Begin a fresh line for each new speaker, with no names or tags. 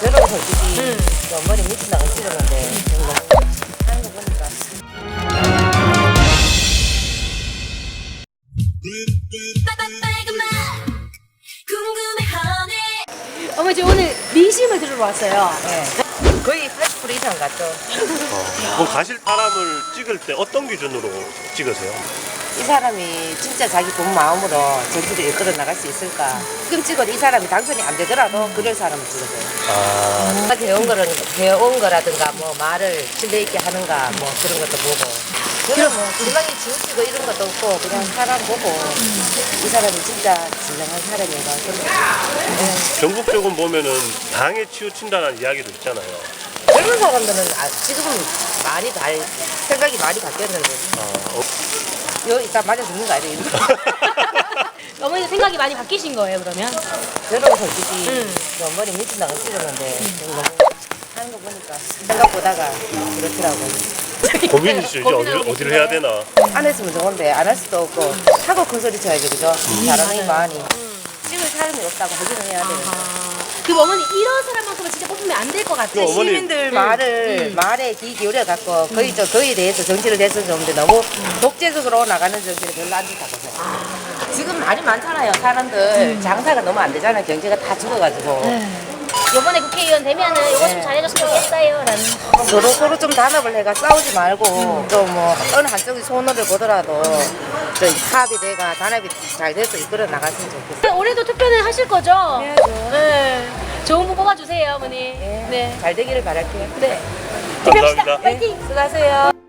저는 솔직히 좀 머리 미친다고 싫었는데 하는 거 보니까
어머니 저 오늘 민심을 들으러 왔어요.
네. 거의 80% 이상 갔죠.
그럼 가실 사람을 찍을 때 어떤 기준으로 찍으세요?
이 사람이 진짜 자기 본 마음으로 전투를 이끌어 나갈 수 있을까. 지금 찍어도 이 사람이 당선이 안 되더라도 그럴 사람을 찍어줘요. 배운 거라든가 뭐 말을 신뢰 있게 하는가 뭐 그런 것도 보고. 저는 뭐 지방이 지우치고 이런 것도 없고 그냥 사람 보고 이 사람이 진짜 진정한 사람인가.
전국적으로 보면은 당에 치우친다는 이야기도 있잖아요.
젊은 사람들은 지금은 많이 생각이 많이 바뀌었는데. 여기 이따 맞아 죽는 거 아니에요?
어머니 생각이 많이 바뀌신 거예요 그러면?
저는 솔직히 좀 머리 미친다고 싫었는데 너무 하는 거 보니까 생각보다가 그렇더라고요.
고민이시죠? 이제 어디를 해야 되나?
안 했으면 좋은데 안 할 수도 없고 하고 큰 소리 쳐야죠, 그죠? 잘하는 많이 찍을 사람이 없다고 하기는 해야 되는데.
그 어머니 이런 사람만큼은 진짜 뽑으면 안 될 것 같아요.
어머니.
시민들 말에 귀 기울여 갖고 거의 대해서 정치를 했으면 좋은데 너무 독재적으로 나가는 정치를 별로 안 좋다고 생각해요. 지금 말이 많잖아요. 사람들 장사가 너무 안 되잖아요. 경제가 다 죽어가지고.
이번에 국회의원 되면은 이거 좀 잘해줬으면 좋겠어요 라는.
서로 좀 단합을 해가 싸우지 말고 또 뭐 어느 한쪽이 손해를 보더라도 저 합의돼가 단합이 잘 돼서 이끌어 나갔으면 좋겠어요.
올해도 투표는 하실 거죠?
해야죠.
네. 좋은 분 뽑아주세요 어머니.
예,
네.
잘 되기를 바랄게요.
네.
감사합니다.
파이팅.
수고하세요.